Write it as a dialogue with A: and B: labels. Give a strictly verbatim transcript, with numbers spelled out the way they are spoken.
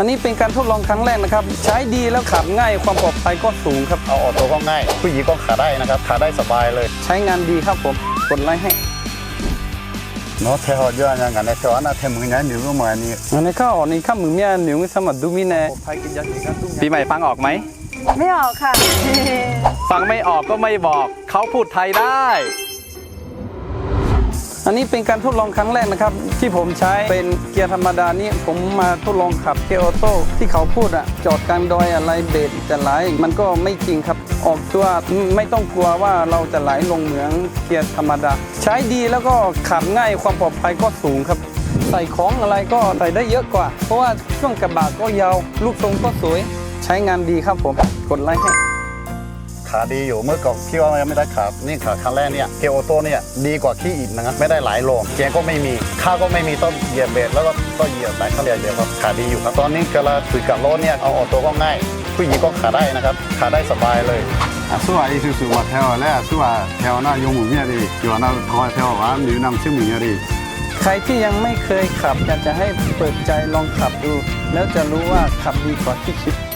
A: อันนี้เป็นการทดลองครั้งแรกนะครับใช้ดีแล้วขับง่ายความปลอดภัยก็สูงครับ
B: เอาออโต้ก็ง่ายผู้หญิงก็ขาได้นะครับขาได้สบายเลย
A: ใช้งานดีครับผมกดไลค์ให้
B: เนาะเทหอดย้อนอย่างนั้นในเทวนาเทมือนั้นหนูก็เหมือนนี้
A: อันนี้ข้าวนี่ข้ามือเมียหนูสมัครดูมิแน่ปีใหม่ฟังออกไหม
C: ไม่ออกค่ะ
A: ฟังไม่ออกก็ไม่บอกเขาพูดไทยได้อันนี้เป็นการทดลองครั้งแรกนะครับที่ผมใช้เป็นเกียร์ธรรมดานี่ผมมาทดลองขับเกียร์ออโต้ที่เขาพูดอะจอดกลางดอยอะไรเบรกจะไหลมันก็ไม่จริงครับออกตัวไม่ต้องกลัวว่าเราจะไหลลงเหมือนเกียร์ธรรมดาใช้ดีแล้วก็ขับง่ายความปลอดภัยก็สูงครับใส่ของอะไรก็ใส่ได้เยอะกว่าเพราะว่าช่วงกระบะก็ยาวลูกทรงก็สวยใช้งานดีครับผมกดไลค์ให้
B: ขาดีอยู่เมื่อก่อนพี่ว่าไม่ได้ขานี่ขาครั้งแรกเนี่ยเกียร์ออโต้เนี่ยดีกว่าขี้อิฐนะครับไม่ได้หลายโลเกียร์ก็ไม่มีข้าวก็ไม่มีต้องเหยียบเบรกแล้วก็ต้องเหยียบสายข้างเดียวเดียวครับขาดีอยู่ครับตอนนี้กำลังคุยกับรถเนี่ยเอาออโต้ก็ง่ายผู้หญิงก็ขาได้นะครับขาได้สบายเลย
D: 啊，苏阿意思是我台湾来，苏阿台湾那用母面的，有那台湾台湾女那么姓母的。
A: ใครที่ยังไม่เคยขับอยากจะให้เปิดใจลองขับดูแล้วจะรู้ว่าขับดีกว่าที่คิด